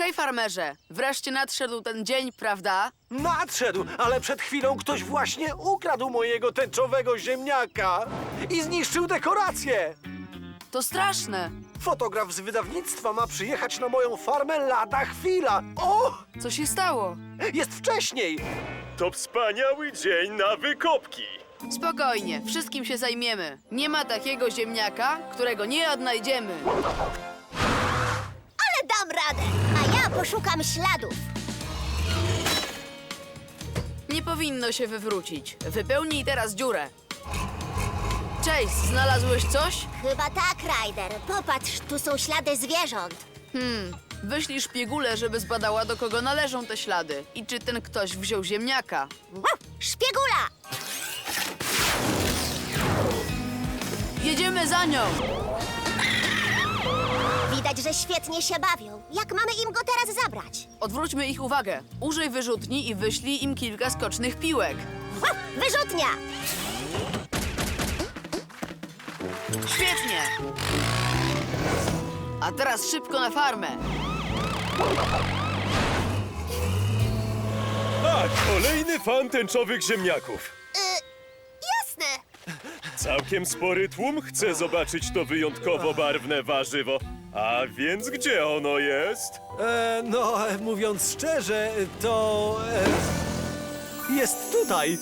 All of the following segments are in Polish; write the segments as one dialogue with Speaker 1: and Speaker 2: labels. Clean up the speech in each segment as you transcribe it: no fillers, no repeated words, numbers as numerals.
Speaker 1: Hej, farmerze! Wreszcie nadszedł ten dzień, prawda?
Speaker 2: Nadszedł, ale przed chwilą ktoś właśnie ukradł mojego tęczowego ziemniaka i zniszczył dekorację.
Speaker 1: To straszne!
Speaker 2: Fotograf z wydawnictwa ma przyjechać na moją farmę lada chwila. O,
Speaker 1: Co się stało?
Speaker 2: jest wcześniej.
Speaker 3: To wspaniały dzień na wykopki.
Speaker 1: Spokojnie, wszystkim się zajmiemy. Nie ma takiego ziemniaka, którego nie odnajdziemy.
Speaker 4: Ale dam radę, a ja poszukam śladów.
Speaker 1: Nie powinno się wywrócić. Wypełnij teraz dziurę. Chase, znalazłeś coś?
Speaker 4: Chyba tak, Ryder. Popatrz, tu są ślady zwierząt.
Speaker 1: Wyślij szpiegulę, żeby zbadała, do kogo należą te ślady i czy ten ktoś wziął ziemniaka.
Speaker 4: Wow, szpiegula!
Speaker 1: Jedziemy za nią!
Speaker 4: Widać, że świetnie się bawią. Jak mamy im go teraz zabrać?
Speaker 1: Odwróćmy ich uwagę. Użyj wyrzutni i wyślij im kilka skocznych piłek.
Speaker 4: Wow, wyrzutnia!
Speaker 1: Świetnie! A teraz szybko na farmę.
Speaker 3: A, kolejny fan tęczowych ziemniaków.
Speaker 4: Jasne.
Speaker 3: Całkiem spory tłum chce zobaczyć to wyjątkowo barwne warzywo. A więc gdzie ono jest?
Speaker 2: Mówiąc szczerze, to jest tutaj.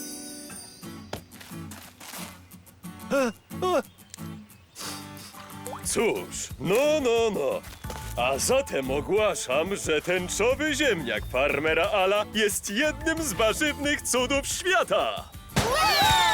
Speaker 3: Cóż, no. A zatem ogłaszam, że tęczowy ziemniak farmera Ala jest jednym z warzywnych cudów świata.
Speaker 4: Wow!